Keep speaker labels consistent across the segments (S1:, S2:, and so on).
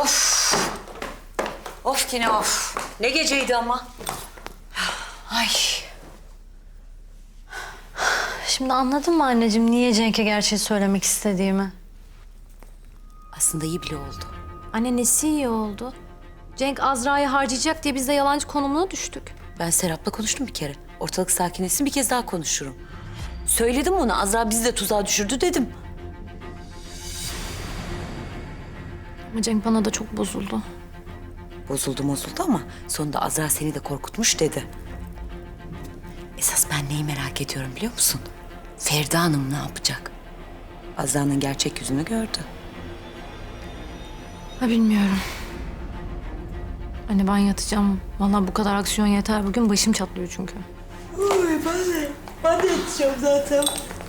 S1: Of. Of yine of. Ne geceydi ama. Ay.
S2: Şimdi anladın mı anneciğim niye Cenk'e gerçeği söylemek istediğimi?
S1: Aslında iyi bile oldu.
S2: Anne nesi iyi oldu? Cenk Azra'yı harcayacak diye biz de yalancı konumuna düştük.
S1: Ben Serap'la konuştum bir kere. Ortalık sakinleşsin bir kez daha konuşurum. Söyledim ona Azra bizi de tuzağa düşürdü dedim.
S2: Ama Cenk bana da çok bozuldu.
S1: Bozuldu ama sonunda Azra seni de korkutmuş dedi. Esas ben neyi merak ediyorum biliyor musun? Feride Hanım ne yapacak? Azra'nın gerçek yüzünü gördü.
S2: Ha bilmiyorum. Anne ben yatacağım. Vallahi bu kadar aksiyon yeter. Bugün başım çatlıyor çünkü.
S1: Uy ben de yatacağım zaten.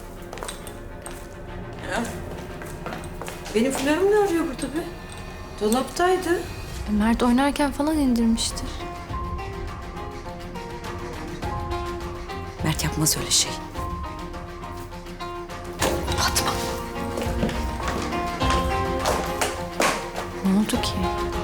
S1: Benim flörüm ne arıyor burada be? Dolaptaydı.
S2: Mert oynarken falan indirmiştir.
S1: Mert yapmaz öyle şey. Fatma.
S2: Ne oldu ki?